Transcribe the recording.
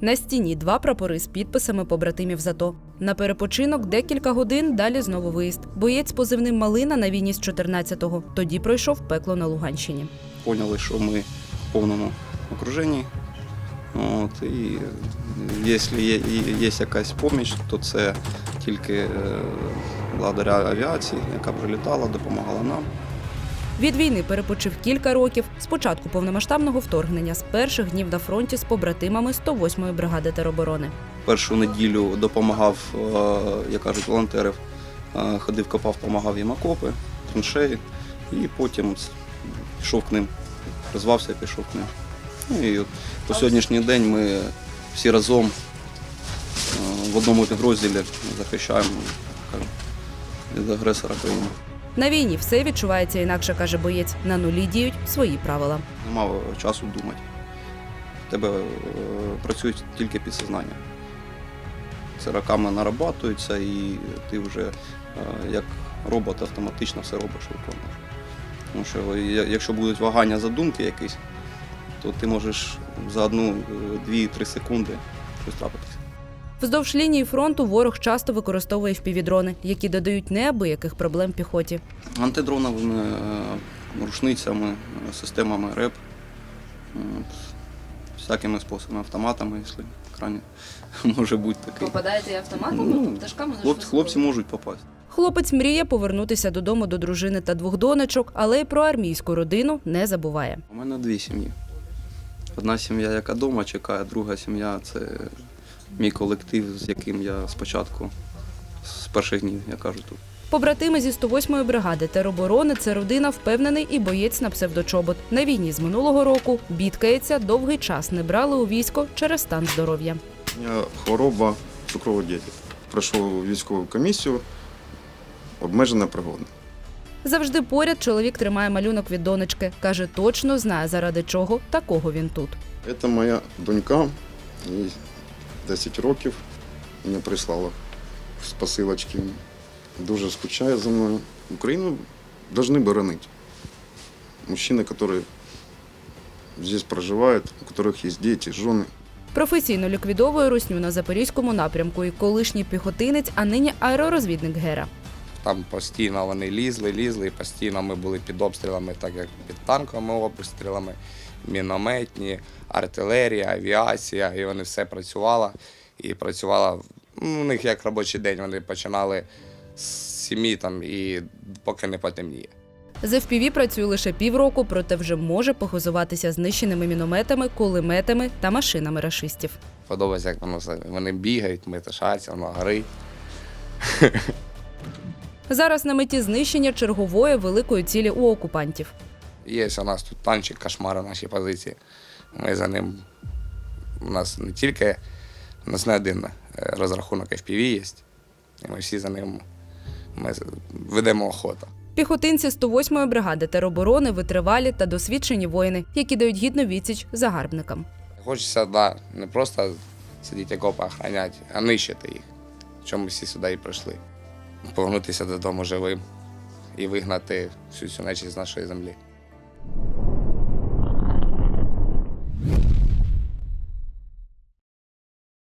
На стіні 2 прапори з підписами побратимів з АТО. На перепочинок декілька годин, далі знову виїзд. Боєць з позивним «Малина» на війні з 14-го. Тоді пройшов пекло на Луганщині. Поняли, що ми в повному окруженні. От, і якщо є якась допомога, то це тільки благодаря авіації, яка прилітала, допомагала нам. Від війни перепочив кілька років. З початку повномасштабного вторгнення, з перших днів на фронті з побратимами 108-ї бригади тероборони. Першу неділю допомагав, як кажуть, волонтерів. Ходив, копав, допомагав їм окопи, траншеї. І потім пішов к ним, призвався, пішов к ним. Ну, і по сьогоднішній день ми всі разом в одному підрозділі захищаємо від агресора країни. На війні все відчувається інакше, каже боєць. На нулі діють свої правила. Нема часу думати. В тебе працює тільки підсознання. Це роками нарабатується, і ти вже як робот автоматично все робиш, виконуєш. Тому що якщо будуть вагання задумки якісь, то ти можеш за 1-2-3 секунди щось трапитися. Вздовж лінії фронту ворог часто використовує впівдрони, які додають неабияких проблем піхоті. Антидроновими рушницями, системами РЕП, всякими способами, автоматами, якщо крайне може бути такий. Попадаєте і автоматом? Пташками? Хлопці можуть попасти. Хлопець мріє повернутися додому до дружини та 2 донечок, але й про армійську родину не забуває. У мене 2 сім'ї. Одна сім'я, яка вдома чекає, друга сім'я – це мій колектив, з яким я спочатку, з перших днів, я кажу, тут. Побратими зі 108-ї бригади тероборони – це родина, впевнений і боєць на псевдочобот. На війні з минулого року бідкається, довгий час не брали у військо через стан здоров'я. У мене хвороба цукровий діабет. Пройшов військову комісію, обмежена пригодна. Завжди поряд чоловік тримає малюнок від донечки. Каже, точно знає, заради чого такого він тут. Це моя донька, їй 10 років, мені прислала з посилочки. Дуже скучає за мною. Україну повинні боронити. Мужчини, які тут проживають, у яких є діти, жени. Професійно ліквідовує русню на Запорізькому напрямку і колишній піхотинець, а нині аеророзвідник Гера. Там постійно вони лізли, і постійно ми були під обстрілами, так як під танковими обстрілами, мінометні, артилерія, авіація, і вони все працювало. І працювало, у них як робочий день, вони починали з 7 там, і поки не потемніє. З FPV працює лише півроку, проте вже може похизуватися знищеними мінометами, кулеметами та машинами рашистів. Подобається, як вони бігають, метушаться, воно горить. Зараз на меті знищення чергової великої цілі у окупантів. Є у нас тут танчик, кошмари наші позиції. Ми за ним, у нас не тільки, у нас не один розрахунок FPV є, і ми всі за ним ведемо охоту. Піхотинці 108-ї бригади тероборони витривалі та досвідчені воїни, які дають гідну відсіч загарбникам. Хочеться, не просто сидіти окопи охороняти, а нищити їх, чому ми всі сюди і прийшли. Повернутися додому живим і вигнати всю цю нечисть з нашої землі.